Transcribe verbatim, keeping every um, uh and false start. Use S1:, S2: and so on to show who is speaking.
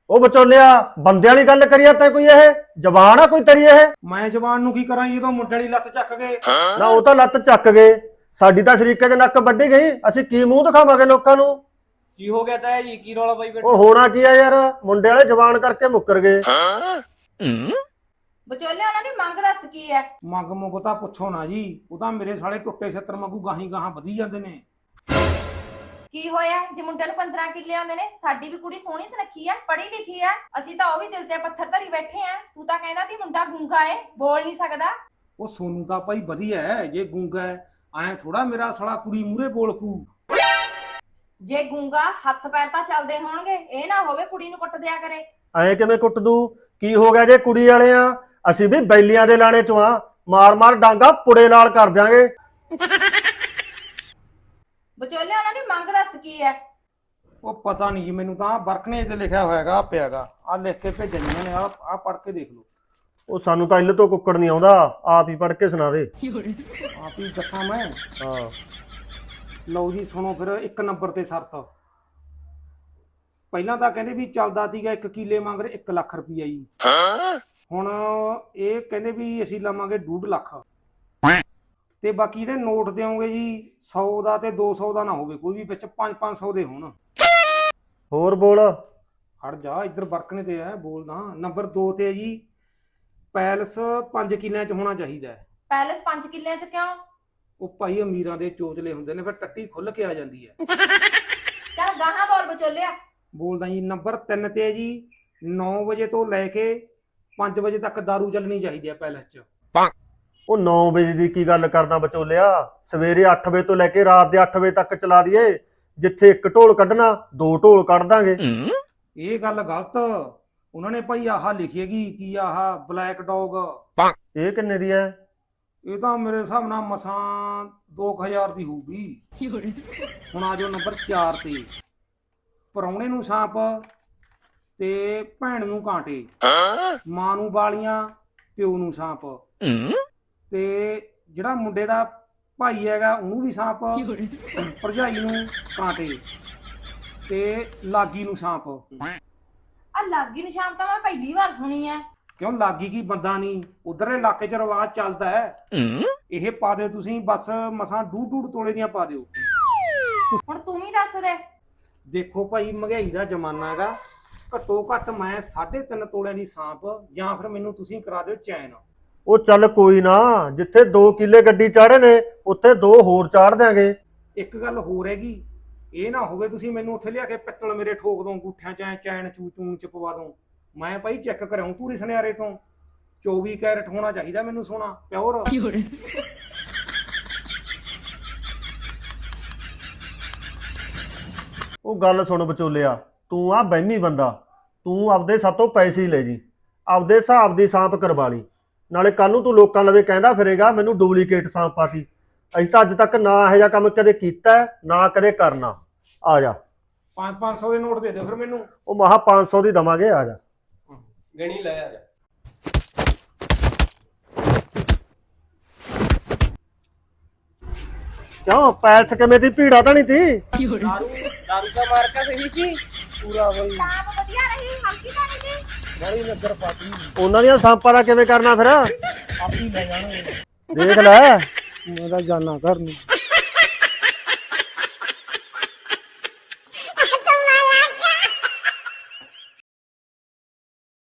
S1: ਉਹ ਵਿਚੋਲਿਆ ਬੰਦਿਆਂ ਦੀ ਗੱਲ ਕਰੀਆ ਤੈਂ ਕੋਈ ਇਹ ਜ਼ਬਾਨ ਆ ਕੋਈ ਤੇਰੀ ਇਹ?
S2: ਮੈਂ ਜਵਾਨ ਨੂੰ ਕੀ ਕਰਾਂ ਜਦੋਂ ਮੁੰਡੇ ਵਾਲੀ ਲੱਤ ਚੱਕ ਗਏ।
S1: ਨਾ ਉਹ ਤਾਂ ਲੱਤ ਚੱਕ ਗਏ, ਸਾਡੀ ਤਾਂ ਸ਼ਰੀਕੇ ਦੇ ਨੱਕ ਵੱਢੀ ਗਈ, ਅਸੀਂ ਕੀ ਮੂੰਹ ਦਿਖਾਵਾਂਗੇ ਲੋਕਾਂ ਨੂੰ?
S3: ਕੀ ਹੋ ਗਿਆ ਤਾਇਆ ਜੀ, ਕੀ ਰੌਲਾ ਪਾਈ ਬੈਠੇ?
S1: ਉਹ ਹੋਣਾ ਕੀ ਆ ਯਾਰ, ਮੁੰਡੇ ਵਾਲੇ ਜ਼ਬਾਨ ਕਰਕੇ ਮੁੱਕਰ ਗਏ।
S4: ਵਿਚੋਲੇ ਉਹਨਾਂ ਦੀ ਮੰਗ ਦੱਸ ਕੀ ਹੈ?
S2: ਮੰਗ ਮੁੰਗ ਤਾਂ ਪੁੱਛੋ ਨਾ ਜੀ, ਉਹ ਤਾਂ ਮੇਰੇ ਸਾਲੇ ਟੁੱਟੇ ਛੱਤਰ ਵਾਂਗੂ ਗਾਹੀਂ ਗਾਹਾਂ ਵਧੀ ਜਾਂਦੇ ਨੇ।
S4: ਕੀ ਹੋਇਆ ਜੇ ਮੁੰਡੇ ਨੂੰ ਪੰਦਰਾਂ ਕਿੱਲੇ ਆਉਂਦੇ ਨੇ? ਸਾਡੀ ਵੀ ਕੁੜੀ ਸੋਹਣੀ ਸੁਨੱਖੀ ਆ, ਪੜ੍ਹੀ ਲਿਖੀ ਆ, ਅਸੀਂ ਤਾਂ ਉਹ ਵੀ ਦਿਲ ਤੇ ਪੱਥਰ ਧਰੀ ਬੈਠੇ ਆ। ਤੂੰ ਤਾਂ ਕਹਿੰਦਾ ਸੀ ਮੁੰਡਾ ਗੂੰਗਾ ਏ, ਬੋਲ ਨਹੀਂ ਸਕਦਾ।
S2: ਉਹ ਸੋਨੂੰ ਤਾਂ ਭਾਈ ਵਧੀਆ ਹੈ, ਜੇ ਗੂੰਗਾ ਹੈ ਐ ਥੋੜਾ ਮੇਰਾ ਸਾਲਾ ਕੁੜੀ ਮੂਰੇ ਬੋਲ ਪੂ।
S4: ਜੇ ਗੂੰਗਾ ਹੱਥ ਪੈਰ ਤਾਂ ਚੱਲਦੇ ਹੋਣਗੇ, ਇਹ ਨਾ ਹੋਵੇ ਕੁੜੀ ਨੂੰ ਕੁੱਟ ਦਿਆ ਕਰੇ।
S1: ਐ ਕਿਵੇਂ ਕੁੱਟ ਦੂ? ਕੀ ਹੋ ਗਿਆ ਜੇ ਕੁੜੀ ਵਾਲੇ ਆ? ਅਸੀਂ ਵੀ ਬੈਲੀਆਂ ਦੇ ਲਾਣੇ ਚੋਂ ਆ, ਮਾਰ ਮਾਰ ਡਾਂਗਾ ਪੁੜੇ ਨਾਲ ਕਰ ਦਿਆਂਗੇ।
S4: ਵਿਚੋਲੇ ਉਹਨਾਂ ਦੀ ਮੰਗ ਦੱਸ ਕੀ ਹੈ?
S2: ਉਹ ਪਤਾ ਨਹੀਂ ਜੀ, ਮੈਨੂੰ ਤਾਂ ਬਰਕਨੇ ਤੇ ਲਿਖਿਆ ਹੋਇਆਗਾ ਪਿਆਗਾ, ਆ ਲਿਖ ਕੇ ਭੇਜਣੀਆਂ ਨੇ, ਆ ਆ ਪੜ੍ਹ ਕੇ ਦੇਖ ਲਓ।
S1: ਉਹ ਸਾਨੂੰ ਤਾਂ ਇੱਲ ਤੋਂ ਕੁੱਕੜ ਨਹੀਂ ਆਉਂਦਾ, ਆਪ ਹੀ ਪੜ੍ਹ ਕੇ ਸੁਣਾ ਦੇ।
S2: ਆਪ ਹੀ ਦੱਸਾਂ ਮੈਂ?
S1: ਹਾਂ
S2: ਲਓ ਜੀ ਸੁਣੋ ਫਿਰ। ਇੱਕ ਨੰਬਰ ਤੇ ਸ਼ਰਤ, ਪਹਿਲਾਂ ਤਾਂ ਕਹਿੰਦੇ ਵੀ ਚੱਲਦਾ ਸੀਗਾ ਇੱਕ ਕਿੱਲੇ ਮੰਗ ਰਹੇ ਇੱਕ ਲੱਖ ਰੁਪਈਆ ਜੀ, ਹੁਣ ਇਹ ਕਹਿੰਦੇ ਵੀ ਅਸੀਂ ਲਵਾਂਗੇ ਡੂਢ ਲੱਖ, ਤੇ ਬਾਕੀ ਜਿਹੜੇ ਨੋਟ ਦਿਓਗੇ ਜੀ ਸੌ ਦਾ ਤੇ ਦੋ ਸੌ ਦਾ ਨਾ ਹੋਵੇ ਕੋਈ ਵੀ, ਵਿੱਚ ਪੰਜ ਪੰਜ ਸੌ ਦੇ ਹੋਣ।
S1: ਹੋਰ ਬੋਲ।
S2: ਹਟ ਜਾ, ਇੱਧਰ ਬਰਕਨੇ ਤੇ ਹੈ ਬੋਲਦਾ। ਨੰਬਰ ਦੋ ਤੇ ਹੈ ਜੀ, ਪੈਲਸ ਪੰਜ ਕਿੱਲਿਆਂ ਚ ਹੋਣਾ ਚਾਹੀਦਾ ਹੈ।
S4: ਪੈਲਸ ਪੰਜ ਕਿੱਲਿਆਂ ਚ ਕਿਉਂ?
S2: ਉਹ ਭਾਈ ਅਮੀਰਾਂ ਦੇ ਚੋਚਲੇ ਹੁੰਦੇ ਨੇ, ਫਿਰ ਟੱਟੀ ਖੁੱਲ ਕੇ ਆ ਜਾਂਦੀ ਹੈ।
S4: ਚੱਲ ਗਾਹਾਂ ਬੋਲ ਵਿਚੋਲਿਆ।
S2: ਬੋਲਦਾ ਜੀ। ਨੰਬਰ ਤਿੰਨ ਤੇ ਹੈ ਜੀ, ਨੌ ਵਜੇ ਤੋਂ ਲੈ ਕੇ ਪੰਜ ਵਜੇ ਤੱਕ ਦਾਰੂ ਚੱਲਣੀ ਚਾਹੀਦੀ ਹੈ ਪੈਲਸ ਚ।
S1: ਉਹ ਨੌ ਵਜੇ ਦੀ ਕੀ ਗੱਲ ਕਰਦਾ ਵਿਚੋਲਿਆ? ਸਵੇਰੇ ਅੱਠ ਵਜੇ ਤੋਂ ਲੈ ਕੇ ਰਾਤ ਦੇ ਅੱਠ ਵਜੇ ਤੱਕ ਚਲਾ ਦਈਏ, ਜਿੱਥੇ ਇੱਕ ਢੋਲ ਕੱਢਣਾ ਦੋ ਢੋਲ ਕੱਢ ਦਾਂਗੇ।
S2: ਇਹ ਗੱਲ ਗਲਤ, ਉਹਨਾਂ ਨੇ ਭਾਈ ਆਹ ਲਿਖੀਏਗੀ ਕੀ ਆਹ ਬਲੈਕ ਡੌਗ,
S1: ਇਹ ਕਿੰਨੇ ਦੀ ਹੈ?
S2: ਇਹ ਤਾਂ ਮੇਰੇ ਹਿਸਾਬ ਨਾਲ ਮਸਾਂ ਦੋ ਕੁ ਹਜ਼ਾਰ ਦੀ ਹੋਊਗੀ। ਹੁਣ ਆ ਜਾਓ ਨੰਬਰ ਚਾਰ ਤੇ, ਪ੍ਰਾਹੁਣੇ ਨੂੰ ਸਾਂਪ ਤੇ ਭੈਣ ਨੂੰ ਕਾਂਟੇ, ਮਾਂ ਨੂੰ ਬਾਲੀਆਂ ਪਿਓ ਨੂੰ ਸਾਂਪ, ਤੇ ਜਿਹੜਾ ਮੁੰਡੇ ਦਾ ਭਾਈ ਹੈਗਾ ਉਹਨੂੰ ਵੀ ਸਾਂਪ, ਭਰਜਾਈ ਨੂੰ ਕਾਂਟੇ ਤੇ ਲਾਗੀ ਨੂੰ ਸਾਂਪ।
S4: ਆ ਲਾਗੀ ਨਿਸ਼ਾਨ ਤਾਂ ਮੈਂ ਪਹਿਲੀ ਵਾਰ ਸੁਣੀ ਐ।
S2: ਕਿਉਂ ਲਾਗੀ ਕੀ ਬੰਦਾ ਨਹੀਂ, ਉਧਰਲੇ ਇਲਾਕੇ 'ਚ ਰਿਵਾਜ ਚੱਲਦਾ ਹੈ। ਇਹ ਪਾ ਦਿਓ ਤੁਸੀਂ, ਬਸ ਮਸਾਂ ਡੂਢ ਡੂਢ ਤੋਲੇ ਦੀਆਂ ਪਾ ਦਿਓ।
S4: ਹੁਣ ਤੂੰ ਵੀ ਦੱਸ ਦੇ।
S2: ਦੇਖੋ ਭਾਈ ਮਹਿੰਗਾਈ ਦਾ ਜ਼ਮਾਨਾ ਹੈਗਾ, ਘੱਟੋ ਘੱਟ ਮੈਂ ਸਾਢੇ ਤਿੰਨ ਤੋਲਿਆਂ ਦੀ ਸਾਂਪ, ਜਾਂ ਫਿਰ ਮੈਨੂੰ ਤੁਸੀਂ ਕਰਾ ਦਿਓ ਚੈਨ।
S1: ਉਹ ਚੱਲ ਕੋਈ ਨਾ, ਜਿੱਥੇ ਦੋ ਕਿੱਲੇ ਗੱਡੀ ਚਾੜੇ ਨੇ ਉੱਥੇ ਦੋ ਹੋਰ ਚਾੜ ਦਿਆਂਗੇ।
S2: ਇੱਕ ਗੱਲ ਹੋਰ ਹੈਗੀ, ਇਹ ਨਾ ਹੋਵੇ ਤੁਸੀਂ ਮੈਨੂੰ ਉੱਥੇ ਲਿਆ ਕੇ ਪਿੱਤਲ ਮੇਰੇ ਠੋਕ ਦੋ ਅੰਗੂਠਿਆਂ ਚ, ਐ ਚੈਨ ਚੂ ਚੂਨ ਚ ਪਵਾ ਦੋ। ਮੈਂ ਭਾਈ ਚੈੱਕ ਕਰਾਉਂ ਪੂਰੀ ਸੁਨਿਆਰੇ ਤੋਂ, ਚੌਵੀ ਕੈਰਟ ਹੋਣਾ ਚਾਹੀਦਾ ਮੈਨੂੰ ਸੋਨਾ ਪਿਓਰ।
S1: ਉਹ ਗੱਲ ਸੁਣ ਵਿਚੋਲਿਆ, ਤੂੰ ਆ ਬਹਿਮੀ ਬੰਦਾ, ਤੂੰ ਆਪਦੇ ਸਾਤੋਂ ਪੈਸੇ ਹੀ ਲੈ ਜੀ, ਆਪਦੇ ਹਿਸਾਬ ਦੀ ਸਾਂਪ ਕਰਵਾ ਲਈ, ਨਾਲੇ ਕੱਲ ਨੂੰ ਤੂੰ ਲੋਕਾਂ ਲਵੇ ਕਹਿੰਦਾ ਫਿਰੇਗਾ ਮੈਨੂੰ ਡੁਪਲੀਕੇਟ ਸਾਂਪ ਪਾਤੀ। ਅਸੀਂ ਤਾਂ ਅੱਜ ਤੱਕ ਨਾ ਇਹੋ ਜਿਹਾ ਕੰਮ ਕਦੇ ਕੀਤਾ ਨਾ ਕਦੇ ਕਰਨਾ। ਆ ਜਾ,
S2: ਪੰਜ ਪੰਜ ਸੌ ਦੇ ਨੋਟ ਦੇ ਦਿਓ ਫਿਰ ਮੈਨੂੰ।
S1: ਉਹ ਮਹਾ ਪੰਜ ਸੌ ਦੀ ਦਵਾਂਗੇ, ਆ ਜਾ।
S3: ਗਣੀ ਲੈ ਆ ਜਾ।
S1: ਕਿਉਂ ਪੈਲਸ ਕਿਵੇਂ ਦੀ ਭੀੜਾ ਤਾਂ ਨਹੀਂ ਤੀ?
S3: ਦਾਰੂ ਦਾਰੂ ਦਾ ਮਾਰਕਾ ਸਹੀ ਸੀ ਪੂਰਾ ਬਈ,
S4: ਸਾਂਪ ਵਧੀਆ ਰਹੀ, ਹਲਕੀ ਤਾਂ ਨਹੀਂ ਸੀ।
S2: ਬੜੀ ਨਜ਼ਰ ਪਾਤੀ,
S1: ਉਹਨਾਂ ਦੀਆਂ ਸਾਂਪਾਂ ਦਾ ਕਿਵੇਂ ਕਰਨਾ ਫਿਰ?
S2: ਆਪੀ ਲੈ ਜਾਣਗੇ।
S1: ਦੇਖ ਲੈ।
S2: ਮੈਂ ਤਾਂ ਜਾਣਾ ਘਰ ਨੂੰ।